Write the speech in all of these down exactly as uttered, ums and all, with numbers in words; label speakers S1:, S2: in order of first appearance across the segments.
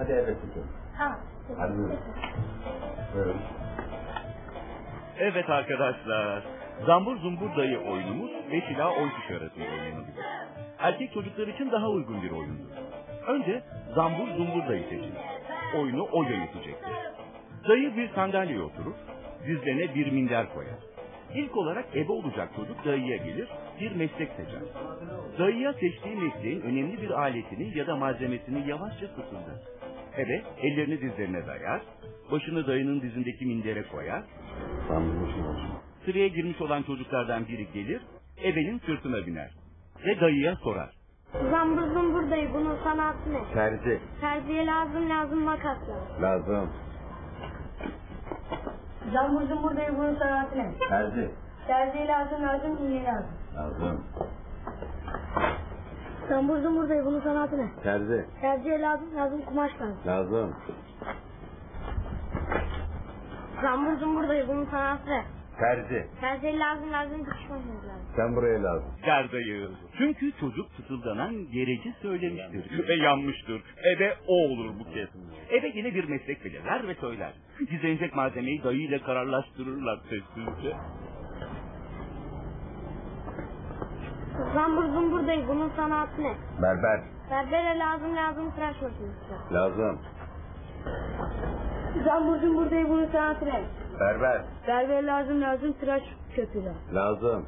S1: Hadi eve tutuyorum.
S2: Tamam.
S1: Hadi buyurun. Buyurun.
S3: Evet arkadaşlar, Zambur Zumbur Dayı oyunumuz beş ila on kişi arasında oynanabilir. Erkek çocuklar için daha uygun bir oyundur. Önce Zambur Zumbur Dayı seçin. Oyunu o yönetecektir. Dayı bir sandalyeye oturur, dizlerine bir minder koyar. İlk olarak ebe olacak çocuk dayıya gelir, bir meslek seçer. Dayıya seçtiği mesleğin önemli bir aletini ya da malzemesini yavaşça fısıldar. Ebe ellerini dizlerine dayar, başını dayının dizindeki mindere koyar. Sıraya girmiş olan çocuklardan biri gelir, ebenin sırtına biner ve dayıya sorar.
S2: Zambur Zumbur Dayı, bunun sanatı ne?
S1: Terzi.
S2: Terziye lazım lazım makas lazım.
S1: Lazım.
S2: Zambur Zumbur Dayı, bunun sanatı ne?
S1: Terzi.
S2: Terziye lazım lazım iğne lazım.
S1: Lazım.
S2: Zambur Zumbur Dayı, bunun sanatı ne?
S1: Terzi.
S2: Terziye lazım lazım kumaş lazım.
S1: Lazım.
S2: Zambur Zumbur Dayı, bunun sanatı ne?
S1: Terzi.
S2: Terziye lazım lazım dikiş makinesi lazım.
S1: Sen buraya lazım.
S3: Der dayı. Çünkü çocuk fısıldanan gereci söylemiştir ve yanmıştır. Ebe o olur bu kez. Ebe yine bir meslek belirler ve söyler. Gizlenecek malzemeyi dayı ile kararlaştırırlar sessizce.
S2: Zambur Zumbur Dayı, bunun sanatı ne?
S1: Berber.
S2: Berbere lazım lazım tıraş makinesi.
S1: Lazım.
S2: Zambur Zumbur Dayı, bunun sanatı ne?
S1: Berber.
S2: Berbere lazım lazım tıraş köpüğü.
S1: Lazım.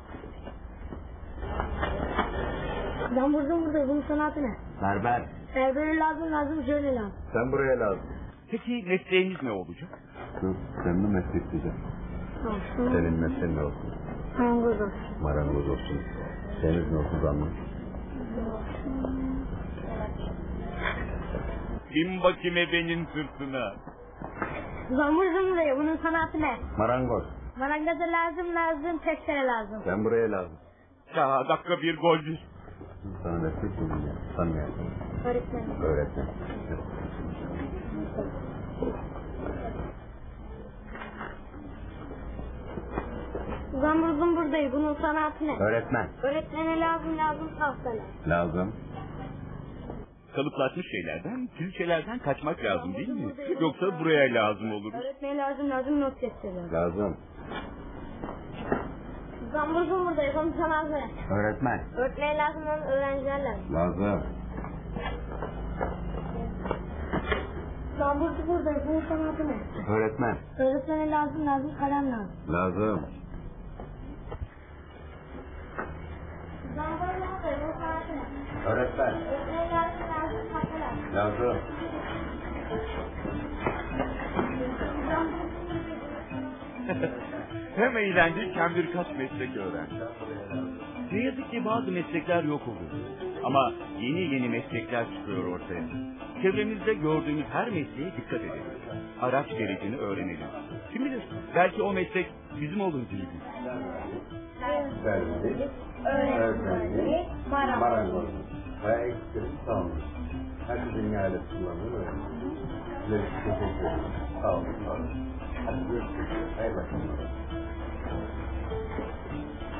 S2: Zambur Zumbur Dayı, bunun sanatı ne?
S1: Berber.
S2: Berbere lazım lazım jöle lazım.
S1: Sen buraya lazım.
S3: Peki mesleğiniz ne olacak?
S1: Dur, sen mi meslek diyeceğim?
S2: Olsun.
S1: Senin mesleğin ne olsun?
S2: Marangoz olsun.
S1: Marangoz olsun. Deniz ne olsun zaman?
S3: Bin bakayım ebenin sırtına.
S2: Zambur Zumbur Dayı, bunun sanatı ne?
S1: Marangoz.
S2: Marangoza lazım lazım testere lazım.
S1: Sen buraya lazım.
S3: Ya dakika bir golcü.
S1: Sana meslek diyeceğim ya. Tanımayasın.
S2: Öğretmen.
S1: Öğretmen.
S2: Zambur Zumbur Dayı, bunun sanatı ne?
S1: Öğretmen.
S2: Öğretmene lazım lazım tahtalar.
S1: Lazım.
S3: Kalıplaşmış şeylerden, külçelerden kaçmak lazım değil mi? Yoksa buraya lazım olur.
S2: Öğretmene lazım lazım not defterleri.
S1: Lazım.
S2: Zambur Zumbur Dayı, bunun sanatı ne?
S1: Öğretmen.
S2: Öğretmene lazım lazım öğrenciler lazım.
S1: Lazım.
S2: Zambur Zumbur Dayı, bunun sanatı ne?
S1: Öğretmen.
S2: Öğretmene lazım lazım kalem lazım.
S1: Lazım.
S2: Zambur Zumbur Dayı, bunun sanatı ne?
S1: Öğretmen.
S2: Öğretmene lazım lazım tahta lazım.
S1: Lazım.
S3: Hem eğlendik hem birkaç meslek öğrendik. Ne yazık ki bazı meslekler yok oluyor. Ama yeni yeni meslekler çıkıyor ortaya. Çevremizde gördüğümüz her mesleğe dikkat edelim. Araç gerecini öğrenelim. Kim bilir, belki o meslek bizim olur bir gün.
S1: Terzi. Öğretmenlik. Marangoz. Ve eksik tamam. Hadi dünyayla kullanılır öyle. Size teşekkür ederim. Sağ olun. Sağ olun. Hadi görüşürüz. Hayırlı akşamlar.